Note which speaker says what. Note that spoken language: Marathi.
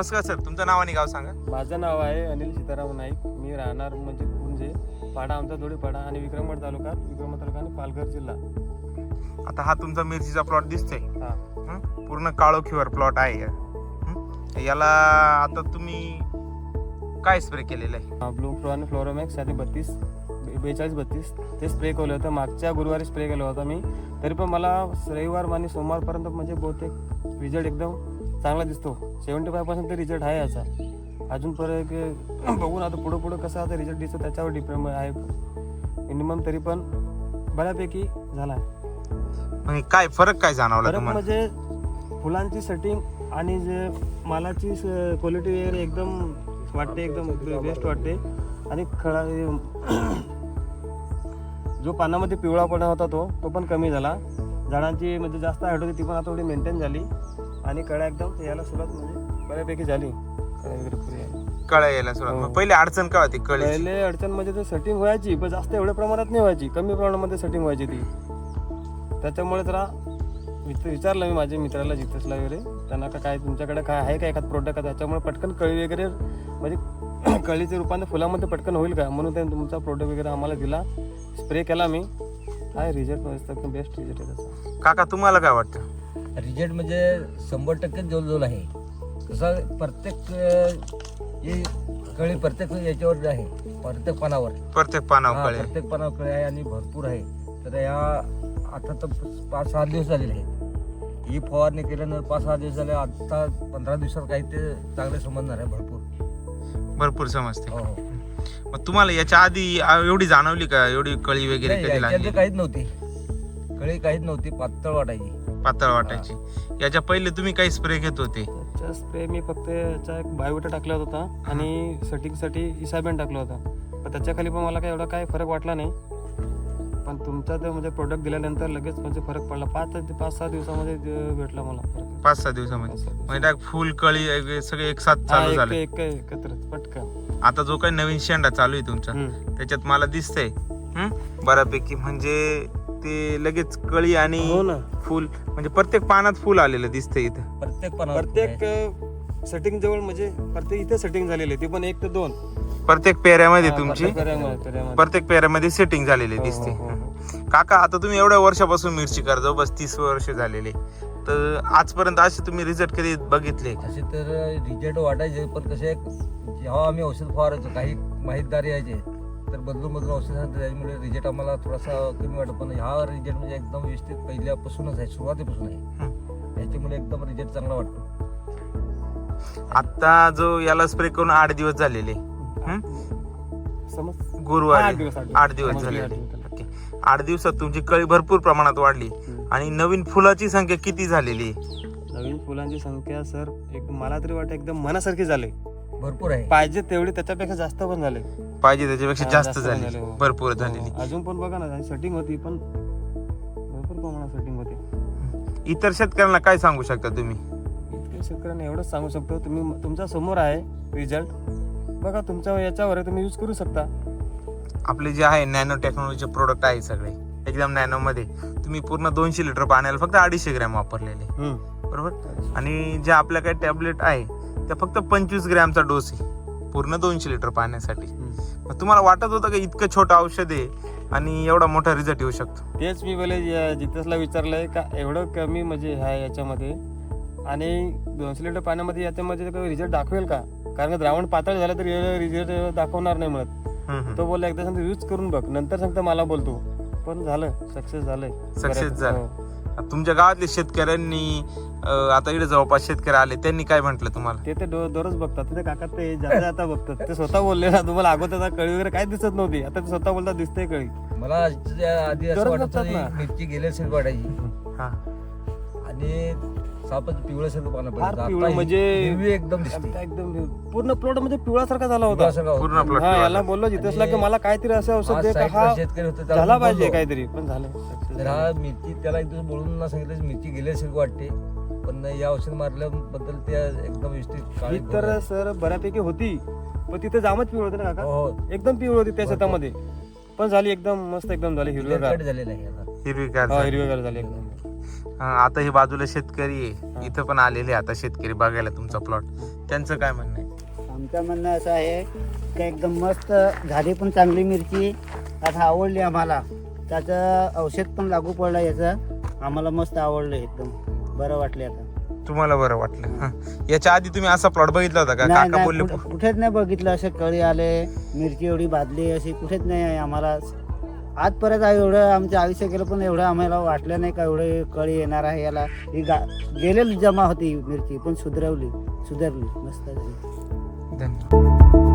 Speaker 1: नमस्कार सर, तुमचं नाव आणि गाव सांगा.
Speaker 2: माझं नाव आहे अनिल सीताराम नाईक. मी राहणार म्हणजे पाडा, आमचा दोडीपाडा आणि विक्रमगड तालुका आणि पालघर जिल्हा.
Speaker 1: आता हा तुमचा मिरचीचा प्लॉट दिसतोय.
Speaker 2: हा.
Speaker 1: पूर्ण काळोखीवर प्लॉट आहे. याला आता तुम्ही काय स्प्रे केलेलं आहे?
Speaker 2: ब्लू फ्लो आणि फ्लोरोमॅक्स 42-32 ते स्प्रे केलं होतं. मागच्या गुरुवारी स्प्रे केलं होतं मी. तरी पण मला रविवार आणि सोमवारपर्यंत म्हणजे बहुतेक रिझल्ट एकदम चांगला दिसतो. 75% रिझल्ट आहे याचा. अजून परत बघून आता पुढं कसं आता रिझल्ट दिसतो त्याच्यावर डिपेंड आहे. मिनिमम तरी पण बऱ्यापैकी झाला आहे.
Speaker 1: काय फरक काय जाणवला तुम्हाला?
Speaker 2: म्हणजे फुलांची सेटिंग आणि जे मालाची क्वालिटी वगैरे एकदम वाटते, एकदम बेस्ट वाटते. आणि खळा जो पानामध्ये पिवळापणा होता तो पण कमी झाला. झाडांची म्हणजे जास्त हाईट होती ती पण आता थोडी मेंटेन झाली. आणि कळ्या एकदम यायला सुरुवात म्हणजे बऱ्यापैकी झाली.
Speaker 1: कळ्या यायला सुरुवात. पहिले अडचण काय होती?
Speaker 2: पहिले अडचण म्हणजे ते सेटिंग व्हायची पण जास्त एवढ्या प्रमाणात नाही व्हायची, कमी प्रमाणामध्ये सेटिंग व्हायची ती. त्याच्यामुळे जरा विचारलं मी माझ्या मित्राला जितेशला वगैरे, त्यांना काय तुमच्याकडे काय आहे का एखाद प्रोडक्ट त्याच्यामुळे पटकन कळी वगैरे म्हणजे कळीचे रूपाने फुलामध्ये पटकन होईल का म्हणून त्यांनी तुमचा प्रोडक्ट वगैरे आम्हाला दिला. स्प्रे केला मी. काय रिझल्ट मस्त बेस्ट रिझल्ट आहे त्याचा.
Speaker 1: काका तुम्हाला काय वाटतं?
Speaker 3: रिझल्ट म्हणजे 100% जवळजवळ आहे. कसं प्रत्येक कळी प्रत्येक याच्यावर आहे, प्रत्येक पानावर
Speaker 1: प्रत्येक पानावर कळी
Speaker 3: प्रत्येक पानावर कळी आहे आणि भरपूर आहे. तर या आता तर 5-6 दिवस झालेले आहेत. ही फवारणी केल्यानंतर 5-6 दिवस झाले. आता 15 दिवसात काही ते चांगले समजणार आहे. भरपूर
Speaker 1: समजते.
Speaker 3: हो.
Speaker 1: मग तुम्हाला याच्या आधी एवढी जाणवली का एवढी कळी वगैरे कधी लागली?
Speaker 3: काहीच नव्हती, कळी काहीच नव्हती, पातळ वाटायची. याच्या पहिले तुम्ही काही स्प्रे घेत होते?
Speaker 2: त्याचा स्प्रे मी फक्त याचा एक बायोविटा टाकला होता आणि सेटिंगसाठी इसाबेन टाकला होता. पण त्याच्या खाली पण मला काही एवढा काय फरक वाटला नाही. पण तुमचा ते म्हणजे प्रोडक्ट दिल्यानंतर लगेच म्हणजे फरक पडला. 5-6 दिवसामध्ये भेटला मला फरक.
Speaker 1: 5-6 दिवसामध्ये म्हणजे फुल कळी सगळे एक साथ चालू झाले
Speaker 2: एकत्र पटकन.
Speaker 1: आता जो काही नवीन शेंडा चालू आहे तुमचा त्याच्यात मला दिसतंय बऱ्यापैकी म्हणजे ते लगेच कळी आणि फुल म्हणजे प्रत्येक पानात फुल आलेलं दिसतंय इथं.
Speaker 2: प्रत्येक सेटिंग जवळ म्हणजे प्रत्येक इथे सेटिंग झालेली आहे, ती पण 1 ते 2
Speaker 1: प्रत्येक पेऱ्यामध्ये तुमची
Speaker 2: प्रत्येक
Speaker 1: पेऱ्यामध्ये सेटिंग झालेली दिसते. काका आता तुम्ही एवढ्या वर्षापासून मिरची करता, जवळपास 30 वर्ष झालेले, तर आजपर्यंत असे तुम्ही रिझल्ट कधी बघितले?
Speaker 3: असे तर रिझल्ट वाटायचे पण कसे जेव्हा आम्ही औषध फवारायचो काही माहितदार यायचे तर बदलून औषध सांगतो, त्यामुळे रिझल्ट आम्हाला थोडासा कमी वाटतो. पण हा रिझल्ट म्हणजे एकदम व्यवस्थित पहिल्यापासूनच आहे, सुरुवातीपासून आहे. त्याच्यामुळे एकदम रिझल्ट चांगला वाटतो.
Speaker 1: आता जो याला स्प्रे करून 8 दिवस झालेले, गुरुवारी 8 दिवस झाले. 8 दिवसात तुमची कळी भरपूर प्रमाणात वाढली. आणि नवीन फुलाची संख्या किती झालेली?
Speaker 2: नवीन फुलांची संख्या सर मला तरी वाटतं एकदम मनासारखी झाली.
Speaker 3: भरपूर आहे,
Speaker 2: पाहिजे तेवढी त्याच्यापेक्षा जास्त पण झाले.
Speaker 1: पाहिजे त्याच्यापेक्षा जास्त झाली, भरपूर झालेली.
Speaker 2: अजून पण बघा ना सेटिंग होती पण भरपूर प्रमाणात सेटिंग होती.
Speaker 1: इतर शेतकऱ्यांना काय सांगू शकता तुम्ही?
Speaker 2: इतक्या शेतकऱ्यांना एवढंच सांगू शकतो, तुम्ही तुमच्या समोर आहे रिझल्ट बघा, तुमच्या याच्यावर तुम्ही यूज करू शकता.
Speaker 1: आपले जे आहे नॅनो टेक्नॉलॉजीचे प्रोडक्ट आहे सगळे एकदम नॅनो मध्ये. तुम्ही पूर्ण 200 लिटर पाण्याला फक्त 250 ग्रॅम वापरलेले, बरोबर. आणि जे आपल्या काही टॅबलेट आहे त्या फक्त 25 ग्रॅमचा डोस आहे पूर्ण 200 लिटर पाण्यासाठी. मग तुम्हाला वाटत होतं का इतकं छोटं औषध आहे आणि एवढा मोठा रिझल्ट येऊ शकतो?
Speaker 2: तेच मी बोले जितेशला विचारलंय का एवढं कमी म्हणजे आहे याच्यामध्ये आणि 200 लिटर पाण्यामध्ये याच्यामध्ये रिझल्ट दाखवेल का? कारण द्रावण पातळ झालं तर रिझल्ट दाखवणार नाही म्हणत. तो बोलला एकदा सांगतो यूज करून बघ, नंतर सांगतो मला बोलतो. पण झालं, सक्सेस झालं.
Speaker 1: तुमच्या गावातले शेतकऱ्यांनी आता इकडे जवळपास शेतकरी आले त्यांनी काय म्हटलं तुम्हाला?
Speaker 2: ते दररोज बघतात ते काका, ते जाता बघतात. ते स्वतः बोलले ना तुम्हाला अगोदर कळी वगैरे काय दिसत नव्हती, आता ते स्वतः बोलतात दिसतंय कळी.
Speaker 3: मला आधी असं वाटत मिरची गेल्यासारखी वाटायची आणि सापच पिवळ्यासारखं पानं
Speaker 2: म्हणजे
Speaker 3: एकदम
Speaker 2: पूर्ण प्लॉट म्हणजे पिवळासारखा झाला होता.
Speaker 1: पूर्ण प्लॉट.
Speaker 2: याला बोललो जितेशला की मला काहीतरी असं औषध दे, शेतकरी होतं झाला पाहिजे काहीतरी, पण झालं.
Speaker 3: तर हा मिरची त्याला एक दिवस बोलून सांगितलं मिरची गेल्यासारखी वाटते, पण या औषध मारल्याबद्दल त्या एकदम व्यवस्थित काळी
Speaker 2: तर सर बऱ्यापैकी होती, पण तिथे जामच पिवळ होते ना काका, एकदम पिवळ होती त्या शेतामध्ये. पण झाली एकदम मस्त, एकदम झाली हिरवीगार
Speaker 3: झालेलं आहे,
Speaker 1: हिरवीगार
Speaker 2: झाली एकदम.
Speaker 1: आता हे बाजूला शेतकरी आहे, इथं पण आलेले आता शेतकरी बघायला तुमचा प्लॉट, त्यांचं काय म्हणणं आहे?
Speaker 4: आमचं म्हणणं असं आहे की एकदम मस्त झाली पण चांगली मिरची, आता आवडली आम्हाला. त्याचं औषध पण लागू पडलं याचं, आम्हाला मस्त आवडलं, एकदम बरं वाटले आता.
Speaker 1: तुम्हाला बरं वाटलं? हा. याच्या आधी तुम्ही असा प्लॉट बघितला होता का?
Speaker 4: नाही
Speaker 1: काका बोलले
Speaker 4: नाही, कुठेच नाही बघितलं असे कळी आले, मिरची एवढी बादली अशी कुठेच नाही आहे आम्हाला. आजपर्यंत एवढं आमचं आयुष्य गेलं पण एवढं आम्हाला वाटलं नाही का एवढं कळी येणार आहे याला. ही गेलेली जमा होती मिरची पण सुधरली मस्त झाली.
Speaker 1: धन्यवाद.